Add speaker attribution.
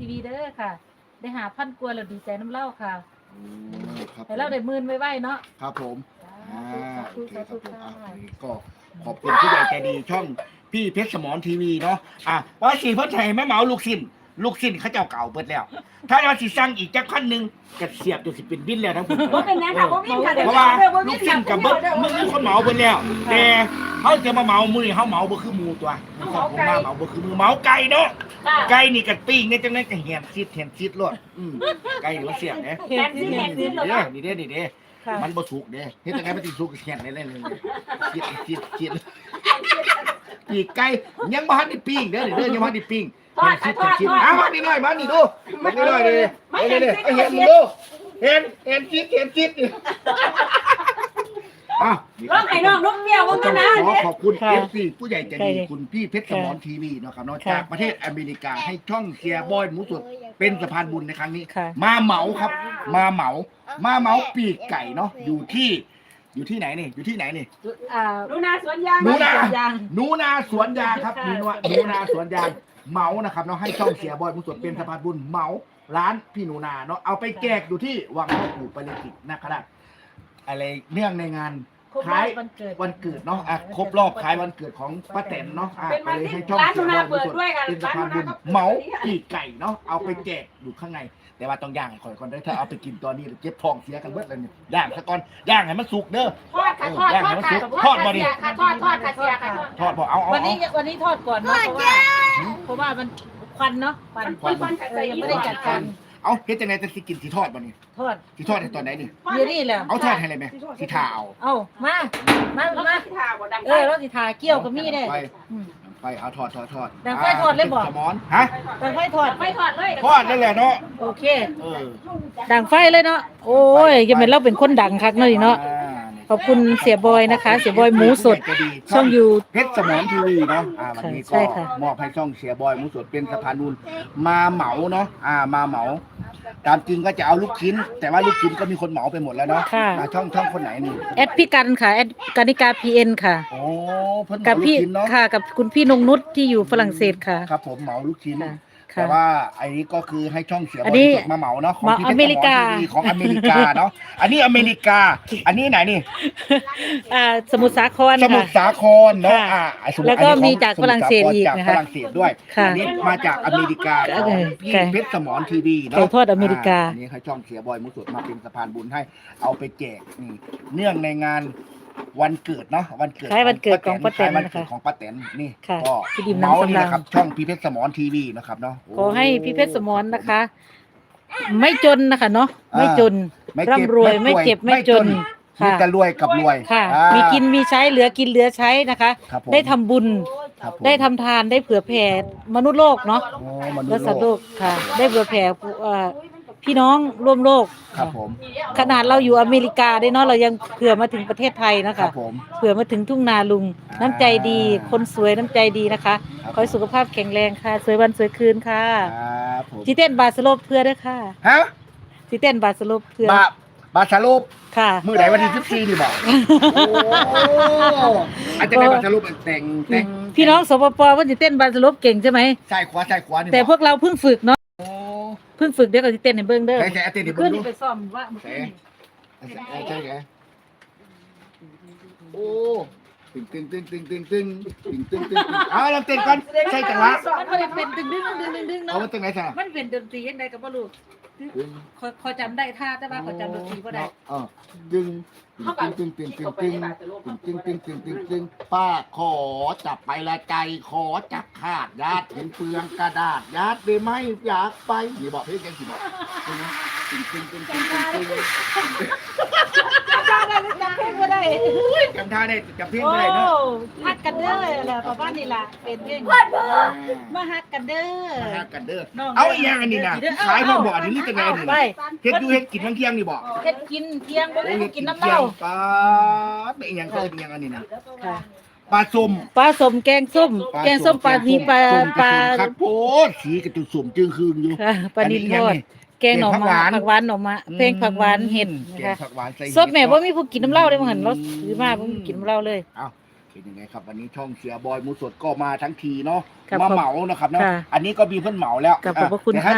Speaker 1: ทีวีเด้อค่ะ ได้5,000กว่าแล้วดีใจน้ำเล่าค่ะ
Speaker 2: ครับ
Speaker 1: ให้เราได้10,000ไว้ๆเนาะ
Speaker 2: ครับผม
Speaker 1: สาธุ
Speaker 2: โอเค
Speaker 1: สา
Speaker 2: ครั
Speaker 1: ธุ
Speaker 2: บผม
Speaker 1: ค่ะ
Speaker 2: อันนี้ก็ขอบคุณผู้ใหญ่ใจดีช่องพี่เพชรสมรทีวีเนาะว่าสีเพิ่นให้แม่เหมาลูกสิ้นเขาเจ้าเก่าเปิดแล้ว ถ้าเราสิสั่งอีกจักพันหนึ่งก็เสียบจนสิเป็นบินแล้วทั้งหมด
Speaker 3: บ่เป็นหยังค่ะบ่มีค่ะเดี๋ยว
Speaker 2: เพราะว่า
Speaker 3: บ่
Speaker 2: ลู
Speaker 3: มี
Speaker 2: กสิ้นกับเบิดมึงมีคนเหมาเบิดแล้ว แต่เขาจะมาเหมามือนี่เขาเหมาบ่คือหมูตัวผมมาเหมาบ่คือมือเหมาไก่เนาะไก่นี่กันปิ้งเนี่ยจังได๋ก็แหนซิดโลดไก่นี่มันเสียบเด้
Speaker 3: แทนที่แทนที่เรา
Speaker 2: นี่เด้
Speaker 1: ค่ะ
Speaker 2: มันบ่สุกเด้เฮ็ดจังได๋มันสิสุกแข็งได้เลยคิดปีกไก่ยังบ่ทันได้ปิ้งเด้อยังบ่ทันได้ปิ้งคิดมานี่หน่อยมานี่ดูมานี่หน่อยดิเด้เห็นมึงดูเห็นคิด
Speaker 3: ร้องให้น้องนกเปี้ยวว่า
Speaker 2: ต้
Speaker 3: กั
Speaker 2: อน ง
Speaker 3: นะ
Speaker 2: ขอขอบคุณ
Speaker 1: ค่ะ
Speaker 2: FC ผู้ใหญ่ใจดีคุณพี่เพชรสมรทีวีเนาะครับเนาะจากประเทศอเมริกาให้ช่องเชียร์บอยหมูสดเป็นสะพานบุญในครั้งนี้
Speaker 1: ค่ะ
Speaker 2: มาเหมาครับ มาเหมาปีกไก่เนาะอยู่ที่ไหนนี่
Speaker 3: หนูนาสวนยาง
Speaker 2: หนูนา
Speaker 1: ยาง
Speaker 2: หนูนาสวนยางครับหนูนาสวนยางเหมานะครับเนาะให้ช่องเสียบอยหมูสดเป็นสะพานบุญเหมาร้านพี่หนูนาเนาะเอาไปแจกอยู่ที่วังพ่อปู่ปาริจิตนะครับอะไรเนื่องในงาน
Speaker 1: ครบ
Speaker 2: คล้าย
Speaker 1: วันเกิด
Speaker 2: วันเกิดเนาะครบรอบคล้ายวันเกิดของป้าแตนเนาะก็เลยให้ช่อง
Speaker 3: ร้านห
Speaker 2: เสี
Speaker 3: นู
Speaker 2: ยบ
Speaker 3: นา
Speaker 2: อยหมู
Speaker 3: เปิด
Speaker 2: สด
Speaker 3: ด้วยค่ะ
Speaker 2: เป็นสะพานบุญเหมาปีกไก่เนาะเอาไปแจกอยู่ข้างในแต่ว่าต้องย่างให้ก่อนได้ถ้าเอาไปกินตอนนี้เจ็บท้องเสียกันเบิดเลยเนี่ยย่างซะก่อนย่างให้มันสุกเด้อ
Speaker 3: ทอดค่ะทอดค่ะทอดค่ะเสียค่ะทอดค่ะเสียค่ะ
Speaker 2: ทอดพอเอา
Speaker 1: วันนี้ทอดก่อนเนาะเพราะว่ามันควันเนาะควัน ยังไม่ได้จัดการ
Speaker 2: เอาเฮ็ดจังได๋จะสิกินสิทอดบ่นี่
Speaker 1: ทอด
Speaker 2: สิทอดในตอนไหนนี่
Speaker 1: เดี๋ยวนี้แหละ
Speaker 2: เอาทอดให้เลยไหมสิทาเอา
Speaker 1: เอามาเราสิทาเกี่ยวกับมีได้
Speaker 2: ไป
Speaker 1: อืม
Speaker 2: ไปเอาทอด
Speaker 1: ดังไฟทอดเลยบ่
Speaker 2: สมอนฮะ
Speaker 1: ดังไฟทอด
Speaker 3: ไม่ทอดเลย
Speaker 2: ทอดนั่นแหละเนาะ
Speaker 1: โอเค
Speaker 2: เออ
Speaker 1: ดังไฟเลยเนาะโอ้ยยังเป็นเราเป็นคนดังคักเนาะนี่เนาะขอบคุณเสียบอยนะคะ เสียบอยหมูสดช่องอยู่
Speaker 2: เพชรสมอนทีวีเนาะวันนี้
Speaker 1: ใช่
Speaker 2: ก็
Speaker 1: ค่ะ
Speaker 2: มอบให้ช่องเสียบอยหมูสดเป็นสะพานบุญมาเหมาเนาะมาเหมาตามจริงก็จะเอาลูกชิ้น แต่ว่าลูกชิ้นก็มีคนเหมาไปหมดแล้วเนาะ
Speaker 1: ค่ะ
Speaker 2: ช่องคนไหนนี่
Speaker 1: แอดพี่กันค่ะแอดกานิกา PN ค่ะ
Speaker 2: โอ้เพิ่นเห
Speaker 1: กั
Speaker 2: มา
Speaker 1: บ
Speaker 2: ลูก
Speaker 1: พี่
Speaker 2: ชิ้นเนาะ
Speaker 1: ค่ะกับคุณพี่นงนุชที่อยู่ฝรั่งเศสค่ะ
Speaker 2: ครับผมเหมาลูกชิ้น
Speaker 1: ค่ะ
Speaker 2: แต่ว่าอันนี้ก็คือให้ช่องเสียบ
Speaker 1: อั
Speaker 2: อน ล
Speaker 1: นี้
Speaker 2: สดมาเหมาเนาะของที่
Speaker 1: อเมริกา
Speaker 2: ทีวีของอเมริกาเนาะอันนี้อเมริกา อันนี้ไหนนี่
Speaker 1: สมุทรสาคร
Speaker 2: สมุท
Speaker 1: ค่ะ
Speaker 2: รสาครเนาะ
Speaker 1: ค่ะ
Speaker 2: สมุทร
Speaker 1: แล้วก็
Speaker 2: อันนี้
Speaker 1: มี
Speaker 2: ของ
Speaker 1: จากฝรั่งเศสอีก
Speaker 2: จาก
Speaker 1: นะ
Speaker 2: ฝ
Speaker 1: คะ
Speaker 2: รั่งเศสด้วย
Speaker 1: ค่ะ
Speaker 2: อันนี้มาจากอเมริกาของพี่
Speaker 1: ค่ะ
Speaker 2: เพชรสมรทีวีเนาะ
Speaker 1: ไก่ทอดอเมริกา
Speaker 2: อันนี้ให้ช่องเสียบอยมุสดมาเป็นสะพานบุญให้เอาไปแจกนี่เนื่องในงานวันเกิดเนาะวันเกิด
Speaker 1: คล้ายวันเกิดของป้าแตน
Speaker 2: คล้ยวัน
Speaker 1: นะคะ
Speaker 2: เกิดของป้าแตนนี่
Speaker 1: ค่ะ
Speaker 2: ก็
Speaker 1: พี่ดิม
Speaker 2: เมาส์นี่
Speaker 1: น้ำสำราญ
Speaker 2: นะครับช่องพี่เพชรสมรทีวีนะครับเนาะ
Speaker 1: ขอให้พี่เพชรสมรนะคะ ไม่จนนะคะเนาะไม่จน
Speaker 2: ไม่เจ็บ
Speaker 1: ร่ำรวยไม่เจ็บไม่จน
Speaker 2: มี
Speaker 1: ค่ะ
Speaker 2: แต่รวยกับรวย
Speaker 1: ค่ะ
Speaker 2: อ่า
Speaker 1: มีกินมีใช้เหลือกินเหลือใช้นะคะ
Speaker 2: ครับผม
Speaker 1: ได้ทำบุญ
Speaker 2: ครับผม
Speaker 1: ได้ทำทานได้เผื่อแผ่มนุษย์โลกเนาะ
Speaker 2: โอ้มนุษ
Speaker 1: และ
Speaker 2: ย์
Speaker 1: สัตว์
Speaker 2: โล
Speaker 1: โล
Speaker 2: ก
Speaker 1: กค่ะ ได้เผื่อแผ่พี่น้องร่วมโลก
Speaker 2: ครับผม
Speaker 1: ขนาดเราอยู่อเมริกาได้เนาะเรายังเผื่อมาถึงประเทศไทยนะ
Speaker 2: ครั
Speaker 1: คะ
Speaker 2: บผม
Speaker 1: เผื่อมาถึงทุ่งนาลุง น้ำใจดี คนสวยน้ำใจดีนะคะ
Speaker 2: ครับ
Speaker 1: ขอให้สุขภาพแข็งแรงค่ะ สวยวันสวยคืนค่ะ
Speaker 2: ครับผม
Speaker 1: จีเต้นบาสโลปเพื่อด้วยค่ะ
Speaker 2: ฮะ
Speaker 1: จีเต้นบาสโลปเพื่อบ
Speaker 2: าชาลูป
Speaker 1: ค่ะ
Speaker 2: มือไหนวันที่14นี่บอกโอ้อาจจะได้บาชาลูปแต่ง
Speaker 1: พี่น้องสปปว่าจีเต้นบาสโลปเก่งใช่ไหม
Speaker 2: ใช่ขวานี่
Speaker 1: แต่พวกเราเพิ่งฝึกเนาะ
Speaker 2: โอ้
Speaker 1: เพิ่งฝึกเดี๋ยวก็จีเต้นในเบื้องเด้อ
Speaker 2: ใช่อาเต้นดิ
Speaker 1: ขึ้
Speaker 2: เบิ่
Speaker 1: น
Speaker 2: งดู
Speaker 1: ไปซ่อมว่า
Speaker 2: ใช่ไงโอ้ตึงเราเต้นก่อนใช่จังหวะ
Speaker 1: มันไม่ได้เป็นดึงดึง
Speaker 2: เอา
Speaker 1: เนาะ
Speaker 2: มาตั้งไหนซะ
Speaker 1: มันเป็นดนตรียังไงกับบ่รู้ขอจำได้ท่าแต่ว่าขอจำดนตรีบ่ได้
Speaker 2: ตึงป้าขอจับไปละใจขอจับขาดญาติเห็นเปลืองกระดาษญาติได้ไหมอยากไปนี่บอกเฮ้ยยังสิบอกตึง
Speaker 1: จำเพลงบ่ได้
Speaker 2: จำท่าได้จำเพี้ยนไม่ได้เนาะ
Speaker 1: ฮักกันเด้อแหละประมาณนี้ล่ะเป็นเพลงมาฮักกันเด้อ
Speaker 2: มาหากันเด้อเอาอีกอย่างอันนี้นะขายมาบ่อนี่จะไงนี่
Speaker 1: ไป
Speaker 2: เฮ็ดดูเฮ็ดกินทั้งเที่ยงนี่บอก
Speaker 1: เฮ็ดกินเที่ยงบ่ได้กินน้ำเหล้า
Speaker 2: ป้าเป็นอีกอย่างก็เป็นอย่างอันนี้นะ
Speaker 1: ค่ะ
Speaker 2: ปลาส้ม
Speaker 1: ปลาส้มแกงส้มแกงส้มปลานีปลา
Speaker 2: คักโพดสีกระตุกส้มจึงคืนอยู่
Speaker 1: ค่ะปลานิลทอดแกงหน่อไม้ผักหวานหน่อไม้เพลงผักหวานเห็ดนะ
Speaker 2: แกง
Speaker 1: คะ
Speaker 2: ผักหวานใส่
Speaker 1: ซดแม่บ่มีผู้กินน้ำเหล้าได้บ่หั่นเราซื้อมาบ่มีกินน้ำเหล้าเลย
Speaker 2: เอ้าเป็นยังไงครับวันนี้ช่องเสียบอยหมูสดก็มาทั้งทีเนาะ
Speaker 1: ครับ
Speaker 2: มาเหมานะครับเนาะ
Speaker 1: ค่ะ
Speaker 2: อันนี้ก็มีเพิ่นเหมาแล้ว
Speaker 1: ขอบพระคุณ
Speaker 2: เดี๋ยวให้
Speaker 1: ค่ะ